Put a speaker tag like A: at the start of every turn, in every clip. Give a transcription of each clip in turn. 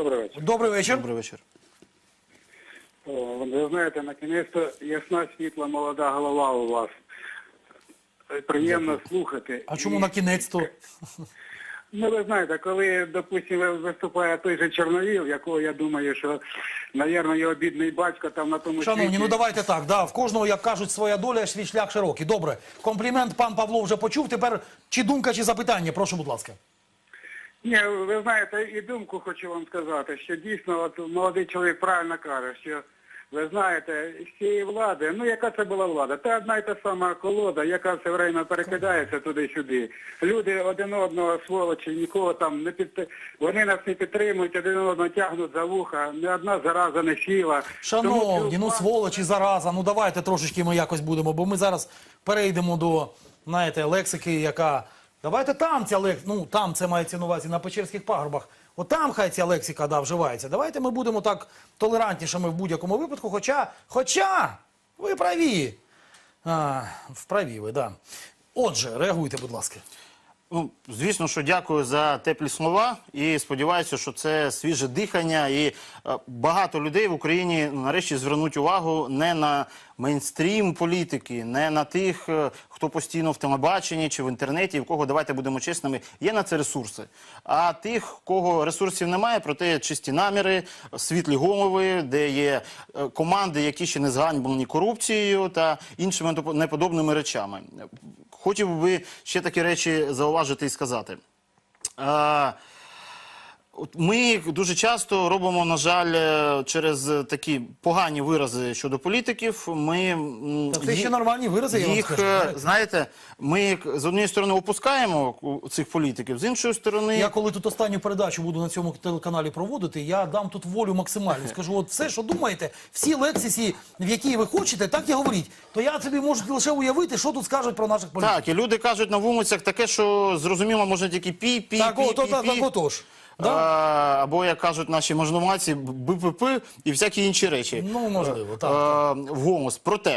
A: Добрий вечір.
B: Добрий вечір.
C: Добрий вечір.
A: Ви знаєте, накінець-то ясна, світла, молода голова у вас. Приємно слухати.
B: А чому на кінець-то?
A: Ну, ви знаєте, коли, допустимо, виступає той же Чорновіл, якого я думаю, що, мабуть, його бідний батько там на тому
B: Шановні,
A: світі...
B: ну давайте так, да, в кожного, як кажуть, своя доля, свій шлях широкий. Добре, комплімент пан Павло вже почув, тепер чи думка, чи запитання, прошу, будь ласка.
A: Ні, ви знаєте, і думку хочу вам сказати, що дійсно, от молодий чоловік правильно каже, що, ви знаєте, з цієї влади, ну яка це була влада? Це одна й та сама колода, яка все время перекидається туди-сюди. Люди один одного, сволочі, нікого там не вони нас не підтримують, один одного тягнуть за вуха, ні одна зараза не сіла.
B: Шановні, ну сволочі, зараза, ну давайте трошечки ми якось будемо, бо ми зараз перейдемо до, знаєте, лексики, яка... Давайте там ця лексика, ну там це мається на увазі на Печерських пагорбах, от там хай ця лексика, да, вживається. Давайте ми будемо так толерантнішими в будь-якому випадку, хоча, ви праві. Вправі ви, да. Отже, реагуйте, будь ласка.
C: Ну, звісно, що дякую за теплі слова і сподіваюся, що це свіже дихання і багато людей в Україні нарешті звернуть увагу не на мейнстрім політики, не на тих, хто постійно в телебаченні чи в інтернеті, в кого, давайте будемо чесними, є на це ресурси. А тих, кого ресурсів немає, проте чисті наміри, світлі голови, де є команди, які ще не зганьблені корупцією та іншими неподобними речами. Хотів би ще такі речі зауважити і сказати. Ми дуже часто робимо, на жаль, через такі погані вирази щодо політиків,
B: Це ще нормальні вирази, я вам скажу.
C: Знаєте, ми з однієї сторони опускаємо цих політиків, з іншої сторони...
B: Я коли тут останню передачу буду на цьому телеканалі проводити, я дам тут волю максимальну. Скажу, от все, що думаєте, всі лексисі, в які ви хочете, так і говоріть. То я собі можу лише уявити, що тут скажуть про наших політиків.
C: Так, і люди кажуть на вулицях таке, що зрозуміло, може тільки пі.
B: Так, отож.
C: Да? Або, як кажуть наші можновладці, БПП і всякі інші речі.
B: Ну, можливо, так.
C: Вголос. Проте,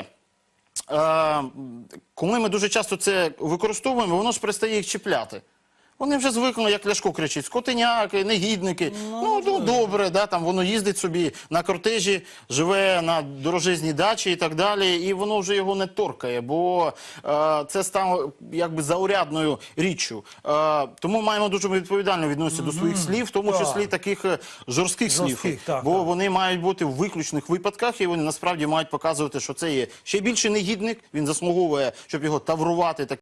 C: коли ми дуже часто це використовуємо, воно ж перестає їх чіпляти. Вони вже звикли, як Ляшко кричить, скотиняки, негідники. Ну добре, да, там воно їздить собі на кортежі, живе на дорожезній дачі і так далі, і воно вже його не торкає, бо це стало якби заурядною річчю. Тому маємо дуже відповідально відноситися до своїх слів, в тому числі таких жорстких слів. Бо вони мають бути в виключних випадках, і вони насправді мають показувати, що це є ще більший негідник, він заслуговує, щоб його таврувати.